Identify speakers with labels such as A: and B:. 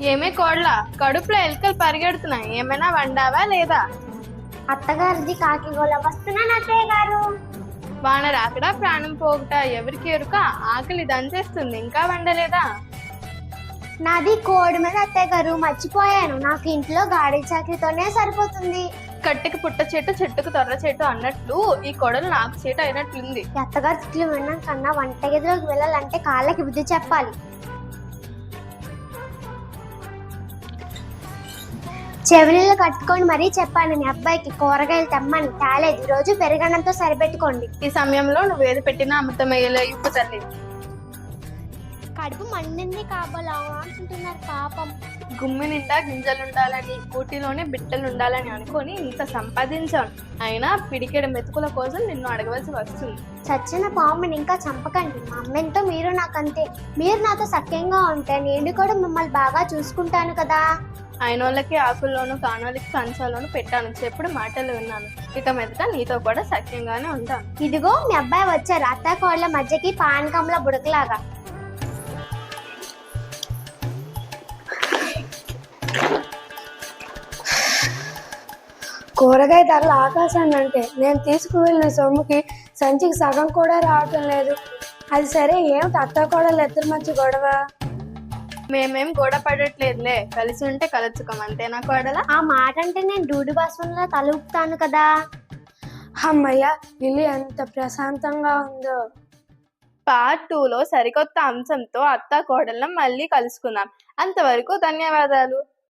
A: ఏమే కోడ్ల కడుపులో ఎలుకలు పరిగెడుతున్నాయి, ఏమైనా వండావా లేదా?
B: అత్తగారిది కాకి గోళ వస్తున్నాను అత్తయ్య గారు.
A: వాన రాకడా ప్రాణం పోగుట ఎవరికి ఎరుక? ఆకలి దంచేస్తుంది, ఇంకా వండలేదా?
B: నాది కోడి మీద అత్తయ్య గారు, మర్చిపోయాను. నాకు ఇంట్లో గాడి చాకరీతోనే సరిపోతుంది.
A: కట్టెకి పుట్ట చెట్టు చెట్టుకు తొర్ర చెట్టు అన్నట్లు ఈ కొడలు నాకు చేటు అయినట్లుంది.
B: ఈ అత్తగారి తిట్లు వినడం కన్నా వంటగదిలోకి వెళ్ళాలంటే కాళ్ళకి బుద్ధి చెప్పాలి. చెవిలీలు కట్టుకొని మరీ చెప్పాను మీ అబ్బాయికి కూరగాయలు తెమ్మని, తేలేదు. ఈ రోజు పెరుగన్నంతో సరిపెట్టుకోండి.
A: ఈ సమయంలో నువ్వేది పెట్టినా అమృతమయ్యేలా ఇప్పు తల్లి.
B: కడుపు మండింది కాబోలా అంటున్నారు పాపం.
A: గుమ్మి నిండా గింజలుండాలని, కూటిలోనే బిడ్డలుండాలని అనుకొని ఇంత సంపాదించాను. అయినా పిడికెడు మెతుకుల కోసం నిన్ను అడగవలసి వస్తుంది.
B: చచ్చిన పాముని ఇంకా చంపకండి. మా అమ్మెంతో మీరు నాకంతే. మీరు నాతో సఖ్యంగా ఉంటే నేను కూడా మిమ్మల్ని బాగా చూసుకుంటాను కదా.
A: అయినోళ్ళకి ఆకుల్లోను, కానోళ్ళకి కంచాలోను పెట్టాను చెప్పుడు మాటలు విన్నాను. ఇక మీదట నీతో కూడా సఖ్యంగానే ఉంటాను.
B: ఇదిగో మీ అబ్బాయి వచ్చారు, అత్త కోళ్ళ మధ్యకి పానకంలో బుడకలాగా.
C: కూరగాయ ధరలు ఆకాశాన్ని అంటే నేను తీసుకువెళ్ళిన సొమ్ముకి సంచికి సగం కూడా రావటం లేదు. అది సరే, ఏమిటి అత్త కోడలు ఇద్దరి మధ్య గొడవ?
A: మేమేం గొడవ పడట్లేదులే, కలిసి ఉంటే కలుచుకోం, అంతేనా కోడలా?
B: ఆ మాట అంటే నేను డూడి బాస్పంలో తల ఊపుతాను కదా.
C: అమ్మయ్య, ఇల్లు ఎంత ప్రశాంతంగా ఉందో.
A: పార్ట్ 2లో సరికొత్త అంశంతో అత్త కోడళ్ళం మళ్ళీ కలుసుకుందాం. అంతవరకు ధన్యవాదాలు.